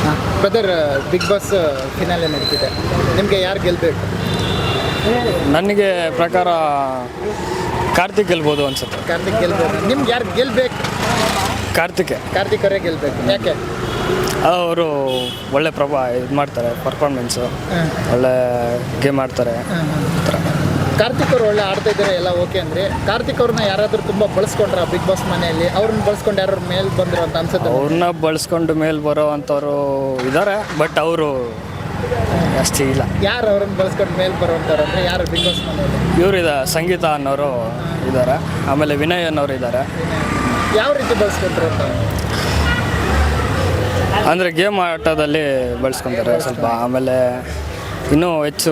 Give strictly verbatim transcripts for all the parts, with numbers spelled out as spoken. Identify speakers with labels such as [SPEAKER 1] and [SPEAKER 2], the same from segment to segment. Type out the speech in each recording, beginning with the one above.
[SPEAKER 1] Brother, big boss finale ನಡೀತಿದೆ, ನಿಮಗೆ ಯಾರು ಗೆಲ್ಲಬೇಕು?
[SPEAKER 2] ನನಗೆ ಪ್ರಕಾರ ಕಾರ್ತಿಕ್ ಗೆಲ್ಬೋದು ಅನ್ಸುತ್ತೆ.
[SPEAKER 1] ಕಾರ್ತಿಕ್ ಗೆಲ್ಬೇಕು. ನಿಮ್ಗೆ ಯಾರು ಗೆಲ್ಲಬೇಕು?
[SPEAKER 2] ಕಾರ್ತಿಕ್
[SPEAKER 1] ಕಾರ್ತಿಕ್ ಅವರೇ ಗೆಲ್ಲಬೇಕು. ಯಾಕೆ?
[SPEAKER 2] ಅವರು ಒಳ್ಳೆ ಪ್ರಭಾ ಇದು ಮಾಡ್ತಾರೆ, ಪರ್ಫಾರ್ಮೆನ್ಸು ಒಳ್ಳೆ ಗೇಮ್ ಆಡ್ತಾರೆ.
[SPEAKER 1] ಕಾರ್ತಿಕ್ ಅವರು ಒಳ್ಳೆ ಆಡ್ತಾ ಇದ್ದಾರೆ, ಎಲ್ಲ ಓಕೆ ಅಂದರೆ ಕಾರ್ತಿಕ್ ಅವ್ರನ್ನ ಯಾರಾದರೂ ತುಂಬ ಬಳಸ್ಕೊಂಡ್ರ ಬಿಗ್ ಬಾಸ್ ಮನೆಯಲ್ಲಿ? ಅವ್ರನ್ನ ಬಳಸ್ಕೊಂಡು ಯಾರು ಮೇಲೆ ಬಂದರು ಅಂತ ಅನ್ಸುತ್ತೆ?
[SPEAKER 2] ಅವ್ರನ್ನ ಬಳಸ್ಕೊಂಡು ಮೇಲೆ ಬರೋ ಅಂಥವ್ರು ಇದ್ದಾರೆ, ಬಟ್ ಅವರು ಅಷ್ಟೇ ಇಲ್ಲ.
[SPEAKER 1] ಯಾರು ಅವ್ರನ್ನ ಬಳಸ್ಕೊಂಡು ಮೇಲೆ ಬರೋಂಥವ್ರು ಅಂದರೆ ಯಾರು ಬಿಗ್ ಬಾಸ್ ಮನೆಯಲ್ಲಿ?
[SPEAKER 2] ಇವರು ಇದೆ, ಸಂಗೀತ ಅನ್ನೋರು ಇದ್ದಾರೆ, ಆಮೇಲೆ ವಿನಯ್ ಅನ್ನೋರು ಇದ್ದಾರೆ.
[SPEAKER 1] ಯಾವ ರೀತಿ ಬಳಸ್ಕೊಂಡ್ರು ಅಂತ?
[SPEAKER 2] ಅಂದರೆ ಗೇಮ್ ಆಟದಲ್ಲಿ ಬಳಸ್ಕೊತಾರೆ ಸ್ವಲ್ಪ, ಆಮೇಲೆ ಇನ್ನೂ ಹೆಚ್ಚು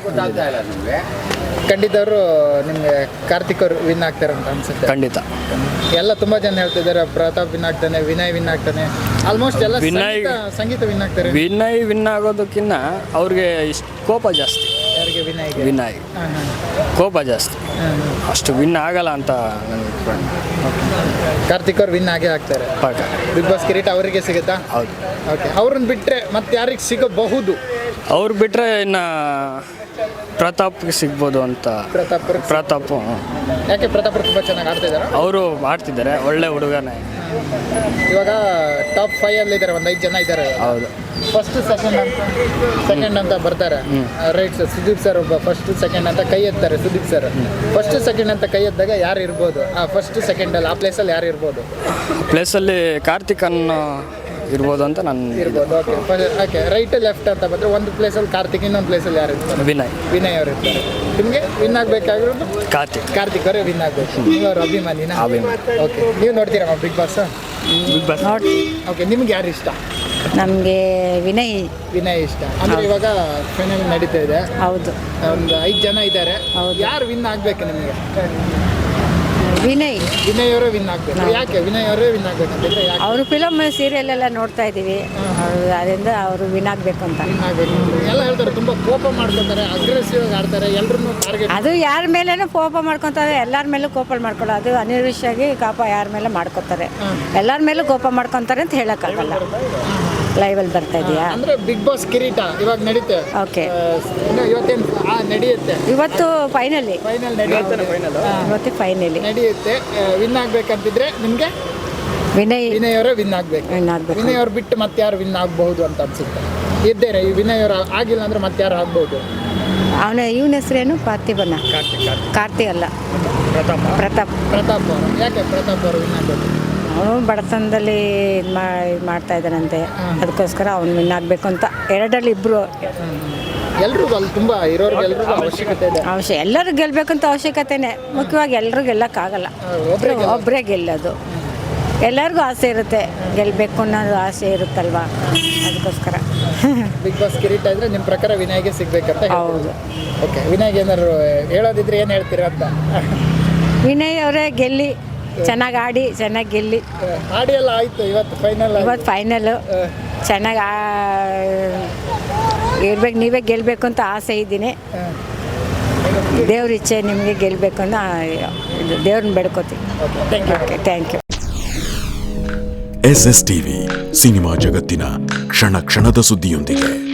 [SPEAKER 1] ಖಂಡಿತ ಅವರು ನಿಮಗೆ ಕಾರ್ತಿಕ್ ಅವರು ವಿನ್ ಆಗ್ತಾರೆ ಅಂತ ಅನ್ಸುತ್ತೆ.
[SPEAKER 2] ಖಂಡಿತ
[SPEAKER 1] ಎಲ್ಲ ತುಂಬ ಜನ ಹೇಳ್ತಿದ್ದಾರೆ ಪ್ರತಾಪ್ ವಿನ್ ಆಗ್ತಾನೆ, ವಿನಯ್ ವಿನ್ ಆಗ್ತಾನೆ, ಆಲ್ಮೋಸ್ಟ್ ಎಲ್ಲ
[SPEAKER 2] ವಿನಯ್
[SPEAKER 1] ಸಂಗೀತ ವಿನ್ ಆಗ್ತಾರೆ.
[SPEAKER 2] ವಿನಯ್ ವಿನ್ ಆಗೋದಕ್ಕಿಂತ ಅವ್ರಿಗೆ ಇಷ್ಟು ಕೋಪ ಜಾಸ್ತಿ.
[SPEAKER 1] ಯಾರಿಗೆ? ವಿನಯ್.
[SPEAKER 2] ವಿನಯ್ ಕೋಪ ಜಾಸ್ತಿ, ಅಷ್ಟು ವಿನ್ ಆಗಲ್ಲ ಅಂತ ನನಗೆ.
[SPEAKER 1] ಕಾರ್ತಿಕ್ ಅವ್ರು ವಿನ್ ಆಗೇ ಆಗ್ತಾರೆ
[SPEAKER 2] ಪಾಕ.
[SPEAKER 1] ಬಿಗ್ ಬಾಸ್ ಕಿರೀಟ ಅವರಿಗೆ ಸಿಗುತ್ತಾ?
[SPEAKER 2] ಹೌದು.
[SPEAKER 1] ಓಕೆ, ಅವ್ರನ್ನ ಬಿಟ್ಟರೆ ಮತ್ತೆ ಯಾರಿಗೆ ಸಿಗಬಹುದು?
[SPEAKER 2] ಅವ್ರು ಬಿಟ್ಟರೆ ಇನ್ನು ಪ್ರತಾಪ್ಗೆ ಸಿಗ್ಬೋದು ಅಂತ.
[SPEAKER 1] ಪ್ರತಾಪ್
[SPEAKER 2] ಪ್ರತಾಪ್
[SPEAKER 1] ಯಾಕೆ? ಪ್ರತಾಪ್ ತುಂಬ ಚೆನ್ನಾಗಿ ಆಡ್ತಾ ಇದ್ದಾರೆ.
[SPEAKER 2] ಅವರು ಆಡ್ತಿದ್ದಾರೆ, ಒಳ್ಳೆ ಹುಡುಗನೇ.
[SPEAKER 1] ಇವಾಗ ಟಾಪ್ ಫೈವ್ ಅಲ್ಲಿ ಇದ್ದಾರೆ, ಒಂದು ಐದು ಜನ ಇದ್ದಾರೆ.
[SPEAKER 2] ಹೌದು.
[SPEAKER 1] ಫಸ್ಟ್ ಸೆಕೆಂಡ್ ಅಂತ ಸೆಕೆಂಡ್ ಅಂತ ಬರ್ತಾರೆ, ರೈಟ್ ಸರ್. ಸುದೀಪ್ ಸರ್ ಒಬ್ಬ ಫಸ್ಟ್ ಸೆಕೆಂಡ್ ಅಂತ ಕೈ ಎತ್ತಾರೆ. ಸುದೀಪ್ ಸರ್ ಫಸ್ಟ್ ಸೆಕೆಂಡ್ ಅಂತ ಕೈ ಎದ್ದಾಗ ಯಾರು ಇರ್ಬೋದು? ಆ ಫಸ್ಟ್ ಸೆಕೆಂಡಲ್ಲಿ ಆ ಪ್ಲೇಸಲ್ಲಿ ಯಾರು ಇರ್ಬೋದು?
[SPEAKER 2] ಪ್ಲೇಸಲ್ಲಿ ಕಾರ್ತಿಕ್ ಅನ್ನೋ ಇರ್ಬೋದು ಅಂತ ನಾನು
[SPEAKER 1] ಇರ್ಬೋದು. ಓಕೆ ಓಕೆ ರೈಟ್ ಲೆಫ್ಟ್ ಅಂತ ಬಂದರೆ ಒಂದು ಪ್ಲೇಸಲ್ಲಿ ಕಾರ್ತಿಕ್, ಇನ್ನೊಂದು ಪ್ಲೇಸಲ್ಲಿ ಯಾರು ಇರ್ತಾರೆ?
[SPEAKER 2] ವಿನಯ್.
[SPEAKER 1] ವಿನಯ್ ಅವರು ಇರ್ತಾರೆ. ನಿಮಗೆ ವಿನ್ ಆಗಬೇಕಾಗಿರೋದು
[SPEAKER 2] ಕಾರ್ತಿಕ್.
[SPEAKER 1] ಕಾರ್ತಿಕ್ ಅವರೇ ವಿನ್ ಆಗಬೇಕು. ನೀವು ಅವ್ರ ಅಭಿಮಾನಿನ?
[SPEAKER 2] ಅಭಿಮಾನಿ.
[SPEAKER 1] ಓಕೆ, ನೀವು ನೋಡ್ತೀರಾ ಬಿಗ್ ಬಾಸ್?
[SPEAKER 2] ಬಿಗ್ ಬಾಸ್
[SPEAKER 3] ನೋಡಿ.
[SPEAKER 1] ಓಕೆ, ನಿಮ್ಗೆ ಯಾರು ಇಷ್ಟ?
[SPEAKER 3] ನಮಗೆ ವಿನಯ್.
[SPEAKER 1] ವಿನಯ್ ಇಷ್ಟ ಅಂದರೆ ಇವಾಗ ಫೈನಲ್ ನಡೀತಾ ಇದೆ.
[SPEAKER 3] ಹೌದು.
[SPEAKER 1] ಒಂದು ಐದು ಜನ ಇದ್ದಾರೆ.
[SPEAKER 3] ಹೌದು.
[SPEAKER 1] ಯಾರು ವಿನ್ ಆಗಬೇಕು ನಿಮಗೆ?
[SPEAKER 3] ವಿನಯ್.
[SPEAKER 1] ವಿನಯ್ ಅವರೇ ವಿನ್ ಆಗಬೇಕು. ಯಾಕೆ ವಿನಯ್ ಅವರೇ ವಿನ್ ಆಗಬೇಕಂತಂದ್ರೆ? ಯಾಕೆ?
[SPEAKER 3] ಅವರು ಫಿಲಮ್ ಸೀರಿಯಲ್ ಎಲ್ಲ ನೋಡ್ತಾ ಇದ್ದೀವಿ, ಅದರಿಂದ ಅವರು ವಿನ್ ಆಗಬೇಕು ಅಂತ.
[SPEAKER 1] ವಿನ್ ಆಗಬೇಕು ಎಲ್ಲ ಹೇಳ್ತಾರೆ. ತುಂಬ ಕೋಪ ಮಾಡ್ಕೊತಾರೆ, ಅಗ್ರೆಸಿವ್ ಆಗಿ ಆಡ್ತಾರೆ, ಎಲ್ಲರನ್ನೂ ಟಾರ್ಗೆಟ್.
[SPEAKER 3] ಅದು ಯಾರ ಮೇಲೇನೂ ಕೋಪ ಮಾಡ್ಕೊತಾರೆ, ಎಲ್ಲರ ಮೇಲೂ ಕೋಪ ಮಾಡ್ಕೊಳ್ಳೋ ಅದು ಅನಿರ್ವಿಷಾಗಿ ಕೋಪ ಯಾರ ಮೇಲೆ ಮಾಡ್ಕೊತಾರೆ, ಎಲ್ಲರ ಮೇಲೂ ಕೋಪ ಮಾಡ್ಕೊತಾರೆ ಅಂತ ಹೇಳೋಕ್ಕಾಗಲ್ಲ. ಲೈವಲ್ಲಿ ಬರ್ತಾ ಇದೆಯಾ
[SPEAKER 1] ಅಂದ್ರೆ ಬಿಗ್ ಬಾಸ್ ಕಿರೀಟ ಇವಾಗ ನಡೀತೆ.
[SPEAKER 3] ಓಕೆ,
[SPEAKER 1] ಇವತ್ತೇನು ನಡೆಯುತ್ತೆ?
[SPEAKER 3] ಇವತ್ತು ಫೈನಲಿ
[SPEAKER 1] ಫೈನಲ್ ನಡೆಯುತ್ತೆ.
[SPEAKER 3] ಇವತ್ತು ಫೈನಲಿ
[SPEAKER 1] ನಡೆಯುತ್ತೆ. ವಿನ್ ಆಗ್ಬೇಕಂತಿದ್ರೆ ನಿಮಗೆ
[SPEAKER 3] ವಿನಯ್.
[SPEAKER 1] ವಿನಯ್ ಅವರೇ ವಿನ್ ಆಗ್ಬೇಕು.
[SPEAKER 3] ವಿನ್ ಆಗ್ಬೇಕು.
[SPEAKER 1] ವಿನಯ್ ಅವ್ರು ಬಿಟ್ಟು ಮತ್ತೆ ಯಾರು ವಿನ್ ಆಗಬಹುದು ಅಂತ ಅನ್ಸುತ್ತೆ? ಇದ್ದೇನೆ ಈ ವಿನಯ್ ಅವರು ಆಗಿಲ್ಲ ಅಂದ್ರೆ ಮತ್ತೆ ಯಾರು ಆಗ್ಬಹುದು?
[SPEAKER 3] ಅವನ ಇವನ ಹೆಸರೇನು? ಪಾರ್ಥಿಬನ್ನ.
[SPEAKER 1] ಕಾರ್ತಿಕ್.
[SPEAKER 3] ಕಾರ್ತಿ ಅಲ್ಲ,
[SPEAKER 1] ಪ್ರತಾಪ್.
[SPEAKER 3] ಪ್ರತಾಪ್.
[SPEAKER 1] ಪ್ರತಾಪ್ ಅವರು. ಯಾಕೆ ಪ್ರತಾಪ್ ಅವರು ವಿನ್ ಆಗಬೇಕು?
[SPEAKER 3] ಅವನು ಬಡತನದಲ್ಲಿ ಇದು ಮಾ ಇದು ಮಾಡ್ತಾ ಇದ್ದಾನಂತೆ, ಅದಕ್ಕೋಸ್ಕರ ಅವ್ನು ವಿನ್ ಆಗಬೇಕು ಅಂತ. ಎರಡರಲ್ಲಿ ಇಬ್ಬರು
[SPEAKER 1] ಎಲ್ರಿಗೂ ಅಲ್ಲಿ ತುಂಬ ಇರೋರ್ಗೆ ಎಲ್ರಿಗೂ ಅವಶ್ಯಕತೆ ಇದೆ.
[SPEAKER 3] ಅವಶ್ಯ ಎಲ್ಲರೂ ಗೆಲ್ಲಬೇಕಂತ ಅವಶ್ಯಕತೆನೇ. ಮುಖ್ಯವಾಗಿ ಎಲ್ಲರೂ ಗೆಲ್ಲಕ್ಕಾಗಲ್ಲ, ಒಬ್ಬರೇ ಒಬ್ಬರೇ ಗೆಲ್ಲೋದು. ಎಲ್ಲರಿಗೂ ಆಸೆ ಇರುತ್ತೆ, ಗೆಲ್ಲಬೇಕು ಅನ್ನೋದು ಆಸೆ ಇರುತ್ತಲ್ವಾ, ಅದಕ್ಕೋಸ್ಕರ.
[SPEAKER 1] ಬಿಗ್ ಬಾಸ್ ಕಿರೀಟ ಇದ್ರೆ ನಿಮ್ಮ ಪ್ರಕಾರ ವಿನಯ್ಗೆ ಸಿಗ್ಬೇಕಂತ?
[SPEAKER 3] ಹೌದು.
[SPEAKER 1] ಓಕೆ, ವಿನಯ್ಗೆ ಏನಾದ್ರು ಹೇಳೋದಿದ್ರೆ ಏನು ಹೇಳ್ತೀರಾ ಅಂತ?
[SPEAKER 3] ವಿನಯ್ ಅವರೇ ಗೆಲ್ಲಿ, ಚೆನ್ನಾಗಿ ಆಡಿ, ಚೆನ್ನಾಗಿ ಗೆಲ್ಲಿ.
[SPEAKER 1] ಆಡಿ ಎಲ್ಲ ಆಯಿತು, ಇವತ್ತು ಫೈನಲ್.
[SPEAKER 3] ಇವತ್ತು ಫೈನಲು ಚೆನ್ನಾಗಿ ಇರ್ಬೇಕು. ನೀವೇ ಗೆಲ್ಲಬೇಕು ಅಂತ ಆಸೆ ಇದ್ದೀನಿ. ದೇವ್ರ ಇಚ್ಛೆ ನಿಮಗೆ ಗೆಲ್ಲಬೇಕು ಅಂತ ದೇವ್ರನ್ನ ಬೇಡ್ಕೋತೀವಿ. Okay, thank you.
[SPEAKER 4] S S TV cinema ಜಗತ್ತಿನ ಕ್ಷಣ ಕ್ಷಣದ ಸುದ್ದಿಯೊಂದಿಗೆ.